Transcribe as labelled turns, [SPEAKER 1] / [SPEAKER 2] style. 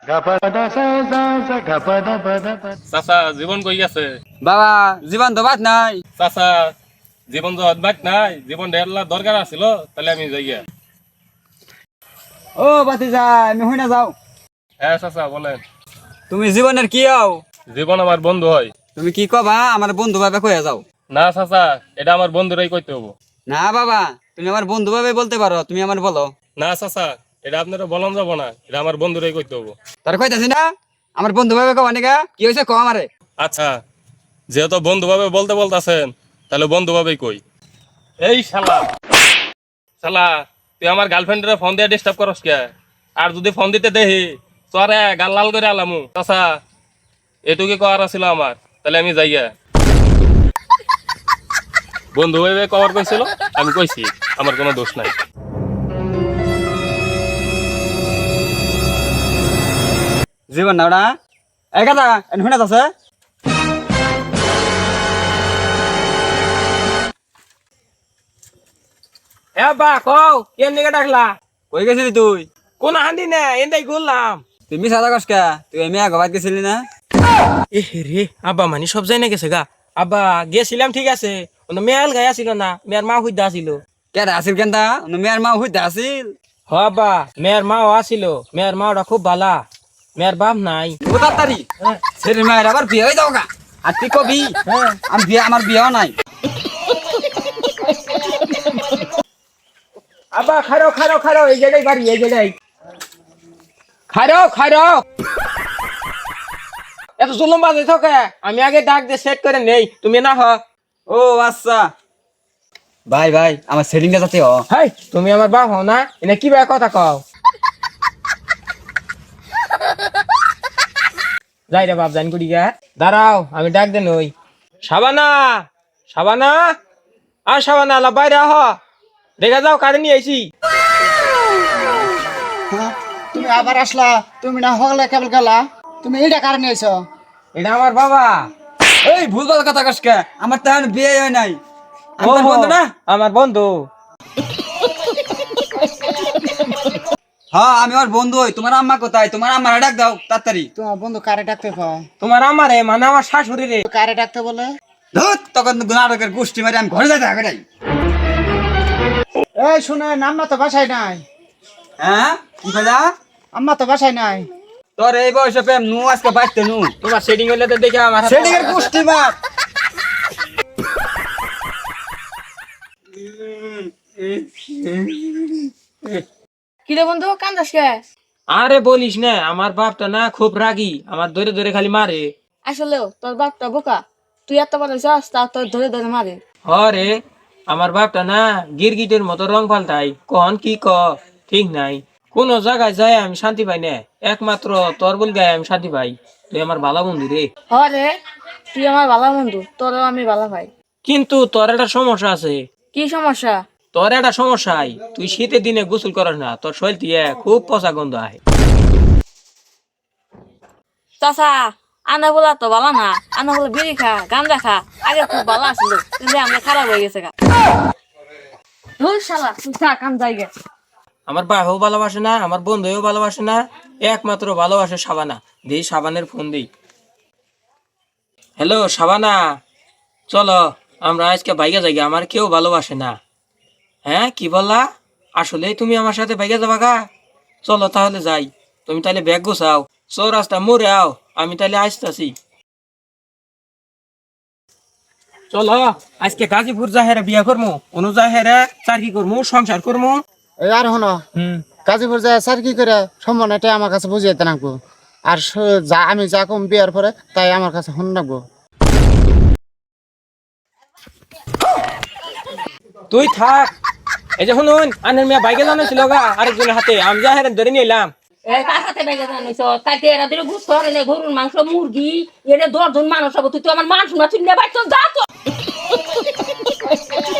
[SPEAKER 1] চাচা জীবন কই গেছে?
[SPEAKER 2] বাবা জীবন তো বাদ নাই।
[SPEAKER 1] চাচা জীবন তো বাদ নাই, জীবন ঢেরলা দরকার আছিল, তাহলে আমি যাই গিয়া।
[SPEAKER 2] ও বাতিজা আমি হই না যাও।
[SPEAKER 1] হ্যাঁ চাচা বলেন।
[SPEAKER 2] তুমি জীবনের কি হও?
[SPEAKER 1] জীবন আমার বন্ধু হয়।
[SPEAKER 2] তুমি কি কবা আমার বন্ধু ভাবে কইয়া যাও?
[SPEAKER 1] না চাচা, এটা আমার বন্ধুরাই কইতে হবো।
[SPEAKER 2] না বাবা তুমি আমার বন্ধু ভাবে বলতে পারো, তুমি আমার বলো।
[SPEAKER 1] না চাচা, এটা আপনারা বলন যাব না, এটা আমার বন্ধুরাই কইতে হবো।
[SPEAKER 2] তার কইতাছি না আমার বন্ধু ভাবে কবা নিকা কি হইছে কও আমারে।
[SPEAKER 1] আচ্ছা, যেহেতু বন্ধু ভাবে বলতে বলতাছেন, তাহলে বন্ধু ভাবেই কই। এই শালা, শালা তুই আমার গার্লফ্রেন্ডের ফোন দিয়ে ডিস্টার্ব করস কে? আর যদি ফোন দিতে দেহি তোরে গাল লাল করে আলামু। চাচা এটুকু করার ছিল আমার, তাহলে আমি যাইয়া। বন্ধু ভাবে কভার কইছিল, আমি কইছি, আমার কোনো দোষ নাই।
[SPEAKER 2] জীবন না ওটা এই কথা এন শুনে আছে।
[SPEAKER 3] এ বা কও কেন দিকে ডাকলা?
[SPEAKER 2] কই গেছিলি তুই?
[SPEAKER 3] কোন হান্দি না এন্দাই ঘুরলাম।
[SPEAKER 2] তুমি সাদা কস কে? তুই এমনি আগবাদ গেছিলি না?
[SPEAKER 3] এ রে আব্বা মানে সব যাই না গেছে গা। আব্বা গেছিলাম ঠিক আছে, মেয়াল গায়ে আসিল না, মেয়ের মা হইতে আসিল।
[SPEAKER 2] কেডা আসিল কেনটা? মেয়ের মা হইতে আসিল।
[SPEAKER 3] হ আব্বা মেয়ের মাও আসিল, মেয়ের মাওটা খুব ভালা, মেয়ের বাপ নাই।
[SPEAKER 2] ও তাড়াতাড়ি ছেলের মায়ের আবার বিয়ে হয়ে যাও গা। আর তুই কবি আমি বিয়ে আমার বিয়েও নাই।
[SPEAKER 3] আব্বা খারো খারো খারো এই জায়গায় বাড়ি, এই জায়গায় খারো খারো। এত জুলুম বাজে থাকে, আমি আগে ডাক দিয়ে সেট করে নেই, তুমি না হ।
[SPEAKER 2] ও আচ্ছা ভাই ভাই আমার সেটিংটা যাতে হ।
[SPEAKER 3] হাই তুমি আমার বাপ হও না, এনে কি ভাবে কথা কও? যাই রে বাপ জানি করি গা। দাঁড়াও আমি ডাক দেন ওই সাবানা, সাবানা আর সাবানা লা বাইরে আহ, দেখা যাও কারে নিয়ে আইছি।
[SPEAKER 4] হ্যাঁ, তুমি আবার আসলা, তুমি না হলে কেবল গেলা, তুমি এইটা কারণে আইছো।
[SPEAKER 3] এটা আমার বাবা।
[SPEAKER 2] এই ভুলভাল কথা কস কে? আমার তো এখন বিয়ে হয় নাই। আমি তোর
[SPEAKER 3] ওহো,
[SPEAKER 2] বন্ধু না?
[SPEAKER 3] আমার বন্ধু।
[SPEAKER 2] হ্যাঁ আমি ওর বন্ধু হই। তোমার আম্মা কোথায়? তোমার আম্মার ডাক দাও তাড়াতাড়ি।
[SPEAKER 4] তোমার বন্ধু কারে ডাকতে কয়?
[SPEAKER 3] তোমার আমারে মানে আমার শাশুড়ি রে।
[SPEAKER 4] কারে ডাকতে বলে?
[SPEAKER 2] ধুত তখন নাটকের গোষ্ঠী মারি আমি ঘরে যাইতে আগে নাই।
[SPEAKER 4] এই শুনে আম্মা তো বাসায় নাই,
[SPEAKER 2] হ্যাঁ কি কইলা?
[SPEAKER 4] আম্মা তো বাসায় নাই।
[SPEAKER 2] তোর এই বয়সে প্রেম নু আজকে বাইতে নু।
[SPEAKER 3] তোমার সেটিং হইলে তো দেখে আমার হাতে-
[SPEAKER 2] সেটিং এর গোষ্ঠী মার।
[SPEAKER 5] কিরে বন্ধু কান্দাস কে?
[SPEAKER 3] আরে বলিস না, আমার বাপটা না খুব রাগী, আমার ধরে ধরে খালি মারে।
[SPEAKER 5] আসলেও তোর বাপটা বোকা, তুই এত বড় যাস তা তোর ধরে ধরে মারে।
[SPEAKER 3] হরে আমার বাপটা না গিরগিটের মতো রং পাল্টাই, কখন কি ক ঠিক নাই। কোন জায়গায় যায় আমি শান্তি পাই না, একমাত্র তোর বল গায়ে আমি শান্তি পাই। তুই আমার ভালো বন্ধু রে।
[SPEAKER 5] হরে তুই আমার ভালো বন্ধু, তোরও আমি ভালো ভাই।
[SPEAKER 3] কিন্তু তোর একটা সমস্যা আছে।
[SPEAKER 5] কি সমস্যা?
[SPEAKER 3] তোর একটা সমস্যাই, তুই শীতের দিনে গোসল করিস না, তোর শরীর দিয়ে খুব পচা গন্ধ আয়।
[SPEAKER 5] চাচা আনা বলা তো ভালো না, আনা বলে বিড়ি খা গাঞ্জা খা, আগে খুব ভালো আসলো কিন্তু আমরা খারাপ হয়ে গেছে গা। ধুর শালা তুই থাক আমি যাই গে।
[SPEAKER 3] আমার বাবাও ভালোবাসে না, আমার বন্ধুও ভালোবাসে না, একমাত্র ভালোবাসে সাবানা। দেই সাবানের ফোন দেই। হ্যালো সাবানা, চলো আমরা আজকে বাইকে যাই, আমার কেউ ভালোবাসে না। হ্যাঁ কি বললা? আসলে তুমি আমার সাথে বাইকে যাবা গা? চলো তাহলে যাই, তুমি তাহলে ব্যাগ গোছাও, চৌরাস্তা মোড়ে আও, আমি তাহলে আসতেছি। চলো আজকে গাজীপুর জাহেরা বিয়া করবো, অনু জাহেরা চাকরি করবো, সংসার করবো।
[SPEAKER 4] এই আর হনো গাজীপুর যায় স্যার কি করে সম্মান এটা আমার কাছে বুঝিয়ে দিতে রাখবো। আর যা আমি যা কম বিয়ার পরে তাই আমার কাছে শুন রাখবো।
[SPEAKER 3] তুই থাক, এই যে শুনুন আনের মেয়ে বাইকে জানাইছিল গা আরেকজনের হাতে, আমি জাহেরা ধরে নিয়ে এলাম।
[SPEAKER 6] এই কার সাথে বেগে জানিস তাইতে এরা দিলে গুস্ত হরে না, গরুর মাংস মুরগি এনে 10 জন মানুষ হবো, তুই তো আমার মান শোনা তুই নেবাই তো যা তো।